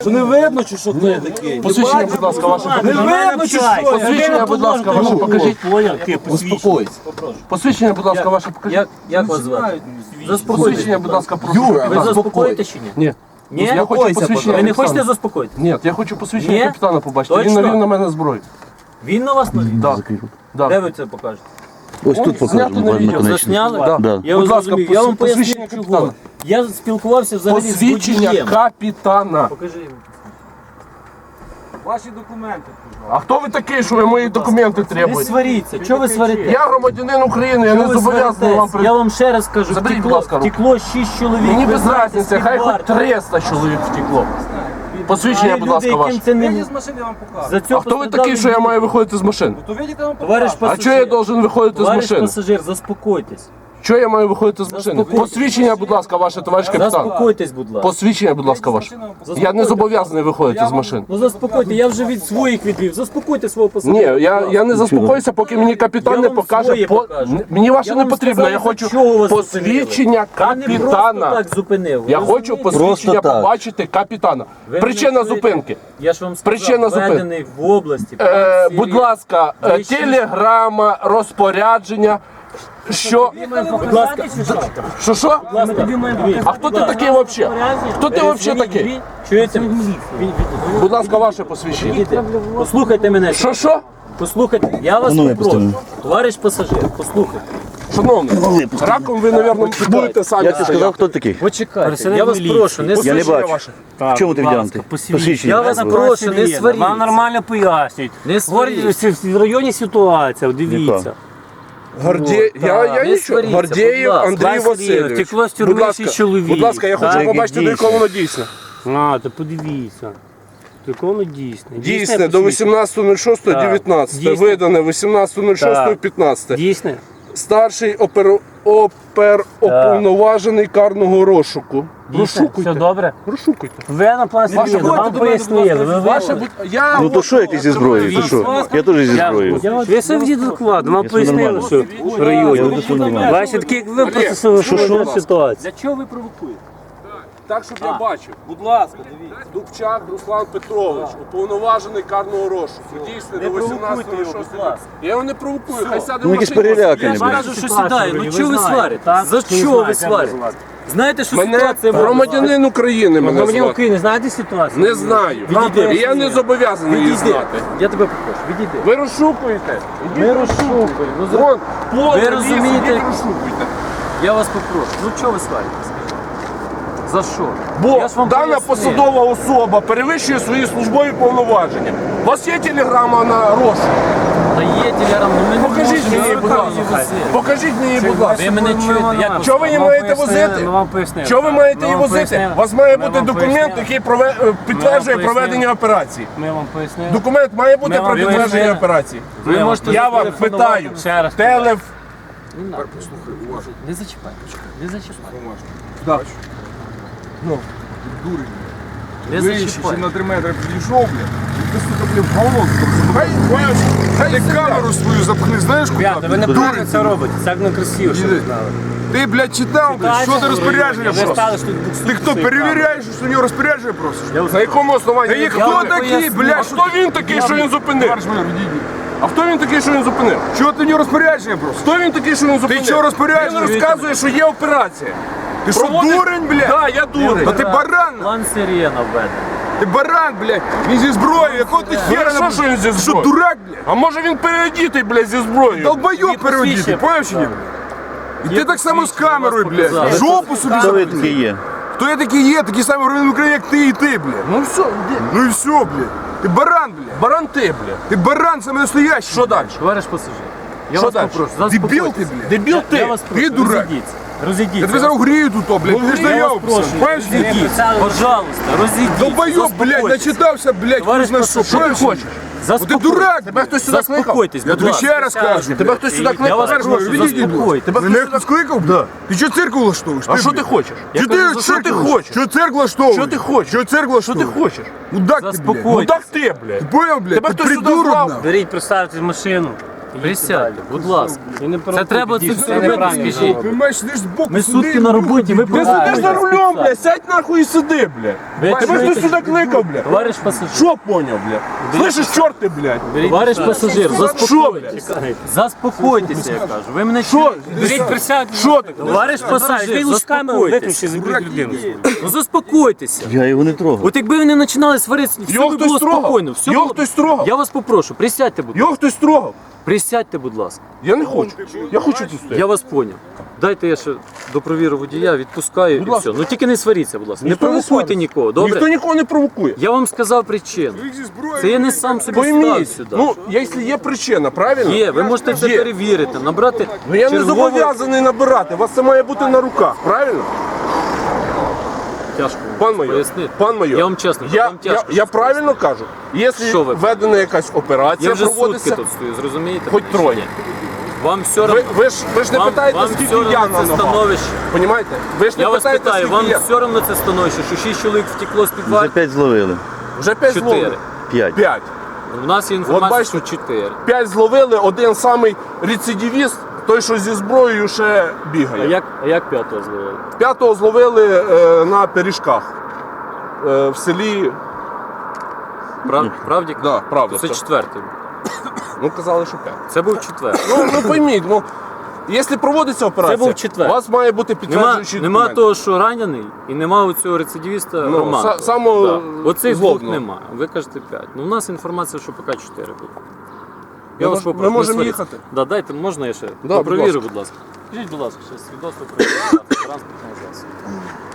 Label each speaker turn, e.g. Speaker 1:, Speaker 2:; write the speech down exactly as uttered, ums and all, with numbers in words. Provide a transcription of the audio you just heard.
Speaker 1: Що не видно, чи що ти такий?
Speaker 2: Посвідчення, будь ласка, ваше
Speaker 1: Не
Speaker 2: покажіть.
Speaker 1: видно, чи що?
Speaker 2: Посвідчення, будь ласка, ваше покажіть.
Speaker 1: Успокойся.
Speaker 2: Посвідчення, будь ласка, ваше покажіть.
Speaker 3: Як, як вас звати?
Speaker 2: Посвідчення, будь ласка, прошу.
Speaker 1: Юра,
Speaker 3: Ви заспокоїте чи ні?
Speaker 2: Ні.
Speaker 3: Ні?
Speaker 2: Я хочу посвідчення
Speaker 3: Ви не хочете
Speaker 2: капітана.
Speaker 3: заспокоїти?
Speaker 2: Ні, я хочу посвідчення
Speaker 3: Ні?
Speaker 2: капітана побачити. Він
Speaker 3: Точно?
Speaker 2: навів на мене зброю.
Speaker 3: Він на вас навів?
Speaker 2: Так.
Speaker 3: Де
Speaker 2: Так.
Speaker 3: ви це покажете?
Speaker 4: Ось тут
Speaker 2: Знято
Speaker 4: покажемо
Speaker 2: на відео.
Speaker 4: наконечно.
Speaker 3: Засняли?
Speaker 2: Да.
Speaker 4: Да.
Speaker 3: Я
Speaker 2: Будь
Speaker 3: вас
Speaker 2: ласка,
Speaker 3: розумію. Я вам
Speaker 2: посвідчення
Speaker 3: поясню,
Speaker 2: капітана.
Speaker 3: чого. Я спілкувався взагалі з
Speaker 2: Посвідчення
Speaker 3: водієм.
Speaker 2: капітана.
Speaker 3: Покажи йому.
Speaker 1: Ваші документи.
Speaker 2: А хто ви такий, що ви мої документи
Speaker 3: Не
Speaker 2: требуєте?
Speaker 3: сваріться. Чого ви сварите?
Speaker 2: Я громадянин України, я
Speaker 3: Чого
Speaker 2: не
Speaker 3: ви
Speaker 2: зобов'язаний вам
Speaker 3: сваритесь? Я вам ще раз кажу,
Speaker 2: Заберіть, будь
Speaker 3: втекло,
Speaker 2: ласка, руку.
Speaker 3: втекло шість чоловік.
Speaker 2: Мені
Speaker 3: Ви
Speaker 2: без
Speaker 3: знаєте,
Speaker 2: разниці, хай
Speaker 3: скільки
Speaker 2: хоч
Speaker 3: варто.
Speaker 2: триста чоловік втекло. Посвідчення,
Speaker 3: Є
Speaker 2: будь
Speaker 3: люди,
Speaker 2: ласка,
Speaker 3: яким
Speaker 2: ваше.
Speaker 3: це не...
Speaker 1: Вийдіть з машини, я вам покажу.
Speaker 3: За
Speaker 2: А
Speaker 3: цього
Speaker 2: хто ви такий, що я маю виходити з машини?
Speaker 1: То вийдіть, я вам
Speaker 3: Товариш
Speaker 1: покажу.
Speaker 2: А чого я должен виходити з
Speaker 3: Товариш
Speaker 2: машини?
Speaker 3: пасажир, заспокойтесь.
Speaker 2: Чого я маю виходити з машини?
Speaker 3: Заспокойтесь.
Speaker 2: Посвідчення, будь ласка, ваше, товариш капітан.
Speaker 3: Заспокойтесь, будь ласка.
Speaker 2: Посвідчення, будь ласка, ваше. Я не зобов'язаний виходити з машини.
Speaker 3: Ну заспокойте, я вже від своїх відвів. Заспокойте свого пасажира.
Speaker 2: Ні, я, я не заспокоюся, поки мені капітан
Speaker 3: Я
Speaker 2: не
Speaker 3: вам
Speaker 2: покаже.
Speaker 3: своє
Speaker 2: По...
Speaker 3: покажу.
Speaker 2: Н- Мені ваше
Speaker 3: Я
Speaker 2: не
Speaker 3: вам
Speaker 2: потрібно,
Speaker 3: сказав,
Speaker 2: я
Speaker 3: за
Speaker 2: хочу
Speaker 3: чого вас
Speaker 2: посвідчення
Speaker 3: Я не просто
Speaker 2: капітана.
Speaker 3: так зупинив. ви
Speaker 2: Я хочу
Speaker 3: розумієте?
Speaker 2: посвідчення
Speaker 4: так.
Speaker 2: побачити капітана.
Speaker 3: Ви
Speaker 2: Причина
Speaker 3: мене чуєте?
Speaker 2: зупинки.
Speaker 3: Я ж вам сказав,
Speaker 2: Причина зупинки.
Speaker 3: введений в області.
Speaker 2: Е,
Speaker 3: Всі-
Speaker 2: будь ласка, е,
Speaker 3: Вищі-
Speaker 2: телеграма, розпорядження. Що?
Speaker 3: Будь ласка,
Speaker 2: Що що?
Speaker 3: ми тобі маємо показати.
Speaker 2: А хто ти такий взагалі? Хто ти взагалі такий?
Speaker 3: Чуєте?
Speaker 2: Будь ласка, ваше посвідчення.
Speaker 3: Відійдіть. Послухайте мене.
Speaker 2: Що що?
Speaker 3: Послухайте, я вас
Speaker 4: Ну, я
Speaker 3: попрошу.
Speaker 4: поставлю.
Speaker 3: Товариш пасажир, послухайте.
Speaker 2: Шановний, раком ви, мабуть, будете самі.
Speaker 4: Я тобі сказав, хто такий?
Speaker 3: Почекайте, я вас прошу, не
Speaker 4: Я не
Speaker 3: сваріть.
Speaker 4: бачу. В чому ти вдягнутий?
Speaker 3: Я вас прошу, не сваріть.
Speaker 5: Вам нормально пояснюють.
Speaker 3: Не сваріть.
Speaker 5: Говорять, в районі ситуація, дивіться.
Speaker 2: Гордє... Я, я
Speaker 3: Не
Speaker 2: нічого.
Speaker 3: сваріться,
Speaker 2: Гордєєв
Speaker 3: будь ласка.
Speaker 2: Андрій
Speaker 5: Василь
Speaker 2: Васильович.
Speaker 5: втекло з тюрми
Speaker 2: Будь ласка,
Speaker 5: шість чоловік.
Speaker 2: будь ласка, я хочу
Speaker 5: Так,
Speaker 2: побачити, до
Speaker 4: дійсно.
Speaker 2: якого воно дійсне.
Speaker 5: А, то подивіться. Таке воно дісне.
Speaker 2: Дійсне до
Speaker 5: посвідчення?
Speaker 2: вісімнадцятого шостого дев'ятнадцятого.
Speaker 5: Дійсне.
Speaker 2: Видане вісімнадцятого шостого
Speaker 5: Так.
Speaker 2: п'ятнадцятого.
Speaker 5: Дійсне?
Speaker 2: Старший опер... оперуповноважений карного розшуку.
Speaker 5: Дійсне? Все
Speaker 2: Розшукуйте.
Speaker 5: добре?
Speaker 2: Розшукуйте.
Speaker 5: Ви на плані
Speaker 2: Ваше
Speaker 5: їду, вам
Speaker 2: будь
Speaker 5: пояснили. Ви
Speaker 2: Ваше
Speaker 5: ви-
Speaker 2: будь... Я...
Speaker 4: Ну то що, як ти зі зброєю? Ти що? Я теж зі зброєю.
Speaker 5: Ви собі діду докладно, вам
Speaker 4: Я
Speaker 5: пояснили,
Speaker 4: нормально.
Speaker 5: що в районі.
Speaker 4: все нормально.
Speaker 5: Бачите, такі як ви просто що ситуація.
Speaker 3: Для чого ви провокуєте?
Speaker 2: Так, щоб я бачив.
Speaker 1: Будь ласка, дивіться.
Speaker 2: Дубчак Руслан Петрович, уповноважений карного розшуку. Дійсно, до вісімнадцятого
Speaker 3: його, будь
Speaker 2: шостого.
Speaker 3: ласка.
Speaker 2: Я його не провокую, хай сяде в
Speaker 4: Ну якісь
Speaker 2: машину.
Speaker 4: перелякані,
Speaker 3: Я
Speaker 4: блядь.
Speaker 3: кажу, що сідає. Ну
Speaker 5: ви
Speaker 3: чого ви
Speaker 5: знаєте,
Speaker 3: сварите?
Speaker 5: так?
Speaker 3: За
Speaker 5: Ви
Speaker 3: що ви
Speaker 5: знаєте,
Speaker 3: сварите? Знаєте, що
Speaker 2: Мене
Speaker 3: ситуація була?
Speaker 2: громадянин України мене
Speaker 5: Громадян
Speaker 2: звати.
Speaker 5: України, знаєте ситуацію?
Speaker 2: Не знаю.
Speaker 3: Відійди.
Speaker 2: І я не зобов'язаний її
Speaker 3: Відійди.
Speaker 2: знати.
Speaker 3: Я тебе попрошу, відійди.
Speaker 2: Ви розшукуєте?
Speaker 3: Ми розшукуємо. Ну, зро-
Speaker 2: Вон, поле,
Speaker 3: Ви
Speaker 2: ліс,
Speaker 3: розумієте-
Speaker 2: ідіть розшукуйте.
Speaker 3: Я вас попрошу. Ну чого ви сварите? За що?
Speaker 2: Бо
Speaker 3: Я ж вам
Speaker 2: дана
Speaker 3: пояснив.
Speaker 2: посадова особа перевищує свої службові повноваження. У вас є телеграма на розшук?
Speaker 3: Та є телеграм, ну ми не
Speaker 2: Покажіть
Speaker 3: можемо
Speaker 2: мені, будь ласка.
Speaker 3: вивозити.
Speaker 2: Покажіть мені, будь ласка.
Speaker 3: Ви мене чуєте? Як
Speaker 2: Чого ви її
Speaker 5: Вам
Speaker 2: маєте
Speaker 5: пояснили,
Speaker 2: возити?
Speaker 5: ми вам пояснили.
Speaker 2: Чого ви маєте
Speaker 5: Ми
Speaker 2: її
Speaker 5: вам
Speaker 2: возити?
Speaker 5: пояснили.
Speaker 2: У вас має
Speaker 5: Ми
Speaker 2: бути
Speaker 5: вам
Speaker 2: документ,
Speaker 5: пояснили.
Speaker 2: який прове- е, підтверджує
Speaker 5: пояснили.
Speaker 2: проведення операції.
Speaker 5: Ми вам пояснили.
Speaker 2: Документ має бути
Speaker 5: Ми вам
Speaker 2: про підтвердження
Speaker 5: пояснили.
Speaker 2: операції.
Speaker 3: Ви можете
Speaker 2: Я вам
Speaker 3: зателефонувати.
Speaker 2: питаю.
Speaker 5: Ще раз.
Speaker 2: Телеф...
Speaker 3: Не зачіпай, почекай, не зачіпай.
Speaker 2: Ну.
Speaker 3: Не зачіпай.
Speaker 1: на три метри підійшов, блядь. Ти, сука, блядь, в голову
Speaker 2: Хай, хай,
Speaker 1: Ти камеру свою запхни, знаєш куди?
Speaker 5: Ребята, ви неправильно це робите. Це не красиво, що ви знали.
Speaker 1: Ти, блядь, читав, блядь, що ти розпорядження
Speaker 5: Ви
Speaker 1: просиш?
Speaker 5: стали, що тут буксуєте
Speaker 1: Ти хто,
Speaker 5: свої
Speaker 1: перевіряєш, що у нього розпорядження просиш?
Speaker 2: На якому основанні?
Speaker 1: Та є
Speaker 2: ви
Speaker 1: хто
Speaker 2: кажете?
Speaker 1: такий,
Speaker 2: А
Speaker 1: блядь, що
Speaker 2: хто він такий, що він зупинив?
Speaker 1: Товариш майор, відійди.
Speaker 2: А хто він такий, що він зупинив?
Speaker 1: Чого ти у нього розпорядження просиш?
Speaker 2: Хто він такий, що він зупинив?
Speaker 1: чого розпорядження?
Speaker 2: Він розказує, що є операція.
Speaker 1: Ти що,
Speaker 2: Проводить-
Speaker 1: дурень, блядь?
Speaker 2: Так, я дурень.
Speaker 1: Та ти баран,
Speaker 3: План сирена введений.
Speaker 1: ти баран, блядь. Він зі зброєю, якого ти хера
Speaker 2: що, що він зі
Speaker 1: Що,
Speaker 2: зброєю?
Speaker 1: дурак, блядь?
Speaker 2: А може він переодітий, блядь, зі зброєю?
Speaker 1: Долбойоб переводити, поняв чи ні? І ти так само з камерою, блядь. Жопу собі
Speaker 4: Хто ви
Speaker 1: забив.
Speaker 4: такі є?
Speaker 1: Хто я такий є, такі самі громадяни України, як ти і ти, блядь.
Speaker 2: Ну все, іди.
Speaker 1: Ну і все, блядь. Ти баран, блядь.
Speaker 2: Баран ти, блядь.
Speaker 1: Ти баран саме настоящий.
Speaker 2: Що далі?
Speaker 3: Товариш пасажир, я
Speaker 2: Що
Speaker 3: вас
Speaker 2: далі?
Speaker 3: попрошу,
Speaker 1: Дебіл ти,
Speaker 3: заспокойтесь.
Speaker 1: блядь.
Speaker 2: Дебіл
Speaker 3: Я
Speaker 2: ти.
Speaker 3: вас прошу,
Speaker 1: Ти дурак.
Speaker 3: розійдіться. Розійдіться.
Speaker 1: Я тебе зараз угрію тут, о, блядь. Ти ж
Speaker 3: Я вас
Speaker 1: наявся.
Speaker 3: прошу,
Speaker 1: Поняв чи ні?
Speaker 3: розійдіться. Пожалуйста, розійдіться.
Speaker 1: Долбойоб, блядь,
Speaker 3: Заспокойтесь.
Speaker 1: начитався, блядь,
Speaker 3: Товариш
Speaker 1: хуй знає що.
Speaker 3: пасажир,
Speaker 1: Поняв чи ні?
Speaker 2: хочеш?
Speaker 1: Ти
Speaker 3: Заспокойтесь.
Speaker 1: дурак,
Speaker 2: Тебе
Speaker 1: блядь.
Speaker 2: хтось сюди кликав?
Speaker 3: Заспокойтесь,
Speaker 1: Я
Speaker 3: будь
Speaker 1: тобі
Speaker 3: ласка.
Speaker 1: ще раз кажу.
Speaker 2: Тебе хтось сюди
Speaker 3: Я
Speaker 2: кликав?
Speaker 3: вас прошу,
Speaker 1: Відійдіть, будь
Speaker 3: заспокойтесь.
Speaker 2: Тебе
Speaker 1: Мене
Speaker 2: хтось
Speaker 1: хтось
Speaker 2: сюди...
Speaker 1: кликав? Да. Ти що цирк влаштовуєш?
Speaker 2: А що ти хочеш?
Speaker 1: Що ти,
Speaker 2: кажу, що ти хочеш?
Speaker 1: Що цирк влаштовуєш?
Speaker 2: Що ти хочеш?
Speaker 1: Що цирк
Speaker 2: Що ти
Speaker 1: влаштовуєш?
Speaker 2: хочеш?
Speaker 1: Мудак ти, блядь.
Speaker 3: Заспокойтесь.
Speaker 2: Ну так ти, блядь.
Speaker 1: Поняв, блядь?
Speaker 2: Тебе
Speaker 1: Ти
Speaker 2: хтось сюди
Speaker 1: придурок,
Speaker 2: клав?
Speaker 1: нахуй.
Speaker 5: Беріть, представте машину.
Speaker 3: Присядьте, будь ласка.
Speaker 5: І не
Speaker 3: Це треба це все робити,
Speaker 5: неправильно.
Speaker 3: скажіть.
Speaker 1: Понимаєш, сидиш збоку,
Speaker 3: Ми
Speaker 1: сиди,
Speaker 3: сутки на роботі, ви
Speaker 2: Ти сидиш за рулем, блядь, сядь нахуй і сиди, блядь.
Speaker 3: Ви
Speaker 2: Тебе
Speaker 3: чуєте?
Speaker 2: хтось сюди кликав, блядь.
Speaker 3: Товариш пасажир,
Speaker 2: Що поняв, блядь? Слышиш, чорти, блядь?
Speaker 3: товариш пасажир,
Speaker 2: Що,
Speaker 3: заспокойтесь.
Speaker 2: блядь?
Speaker 3: Заспокойтеся, я кажу. Ви мене
Speaker 2: Що?
Speaker 3: чуєте?
Speaker 5: Беріть присядьте.
Speaker 2: Що ти?
Speaker 3: Товариш пасажир,
Speaker 5: Ви лучше камеру виключи,
Speaker 3: заспокойтесь.
Speaker 5: заберіть людину.
Speaker 3: Ну заспокойтеся.
Speaker 4: Я його не трогав.
Speaker 3: От якби ви не починали сваритися, все
Speaker 2: Його
Speaker 3: би
Speaker 2: хтось
Speaker 3: було
Speaker 2: трогав?
Speaker 3: спокійно. Все
Speaker 2: Його
Speaker 3: було-
Speaker 2: хтось трогав?
Speaker 3: Я вас попрошу, присядьте, будь ласка.
Speaker 2: Його хтось трогав?
Speaker 3: Присядьте, будь ласка.
Speaker 2: Я не хочу. Я хочу тут стояти.
Speaker 3: Я вас поняв. Дайте я ще допровірю водія, відпускаю
Speaker 2: Будь
Speaker 3: і
Speaker 2: ласка.
Speaker 3: все. Ну тільки не сваріться, будь ласка.
Speaker 2: Ніхто
Speaker 3: не
Speaker 2: не
Speaker 3: провокуйте
Speaker 2: свариться.
Speaker 3: нікого, добре?
Speaker 2: Ніхто нікого не провокує.
Speaker 3: Я вам сказав причину.
Speaker 1: зі зброєю,
Speaker 3: Це я не сам собі став
Speaker 2: Пойміть,
Speaker 3: сюди.
Speaker 2: ну, якщо є причина, правильно?
Speaker 3: Є, ви можете це
Speaker 2: Є.
Speaker 3: перевірити, набрати.
Speaker 2: Ну я не
Speaker 3: чергову-
Speaker 2: зобов'язаний набирати, у вас це має бути на руках, правильно?
Speaker 3: Тяжко вам
Speaker 2: Пан майор,
Speaker 3: пояснити.
Speaker 2: пан майор,
Speaker 3: Я вам чесно кажу,
Speaker 2: я,
Speaker 3: вам
Speaker 2: я,
Speaker 3: тяжко.
Speaker 2: я
Speaker 3: щось
Speaker 2: правильно кажу?
Speaker 3: Що
Speaker 2: Якщо
Speaker 3: ви?
Speaker 2: введена якась операція,
Speaker 3: Я вже сутки
Speaker 2: проводиться,
Speaker 3: тут стою, зрозумієте?
Speaker 2: хоч
Speaker 3: мене чи
Speaker 2: троє.
Speaker 3: ні? Вам все
Speaker 2: Ви,
Speaker 3: одно.
Speaker 2: ви ж, ви ж не
Speaker 3: Вам,
Speaker 2: питаєте,
Speaker 3: вам
Speaker 2: скільки
Speaker 3: все
Speaker 2: я
Speaker 3: одно
Speaker 2: на
Speaker 3: це
Speaker 2: ногах.
Speaker 3: становище.
Speaker 2: Понімаєте? Ви ж не
Speaker 3: Я вас
Speaker 2: питаєте,
Speaker 3: питаю,
Speaker 2: скільки
Speaker 3: вам
Speaker 2: я.
Speaker 3: все одно це становище, що шість чоловік втекло з
Speaker 4: Вже
Speaker 3: підвалу?
Speaker 4: п'ять зловили.
Speaker 2: Вже п'ять
Speaker 3: Чотири.
Speaker 2: зловили.
Speaker 4: П'ять.
Speaker 2: П'ять.
Speaker 3: У нас є інформація,
Speaker 2: бачите?
Speaker 3: що чотири.
Speaker 2: П'ять зловили, один самий рецидивіст, той, що зі зброєю ще
Speaker 3: А
Speaker 2: бігає.
Speaker 3: як, а як п'ятого зловили?
Speaker 2: П'ятого зловили е, на пиріжках е, в селі.
Speaker 3: Прав, правді?
Speaker 2: Да, правда.
Speaker 3: Це
Speaker 2: Це,
Speaker 3: четвертий.
Speaker 2: ну казали, що п'ять.
Speaker 3: Це був четвертий.
Speaker 2: Ну, ну пойміть, ну, якщо проводиться операція,
Speaker 3: Це був четвер.
Speaker 2: у вас має бути
Speaker 3: Нема,
Speaker 2: підтверджуючий
Speaker 3: нема
Speaker 2: документ.
Speaker 3: того, що ранений, і нема у цього рецидивіста
Speaker 2: Ну,
Speaker 3: Романа.
Speaker 2: са- самого
Speaker 3: Да. Оцих двох
Speaker 2: злобного.
Speaker 3: нема. Ви кажете п'ять. Ну, у нас інформація, що поки чотири буде.
Speaker 2: Ми
Speaker 3: Я вас
Speaker 2: мож-
Speaker 3: попрошу.
Speaker 2: ми
Speaker 3: не
Speaker 2: можемо
Speaker 3: сваріться.
Speaker 2: їхати?
Speaker 3: Да, дайте, можна я ще?
Speaker 2: Да, будь
Speaker 3: Провірю,
Speaker 2: ласка.
Speaker 3: будь ласка. Скажіть, будь ласка, ще свідоцтво про реєстрацію транспортного засобу.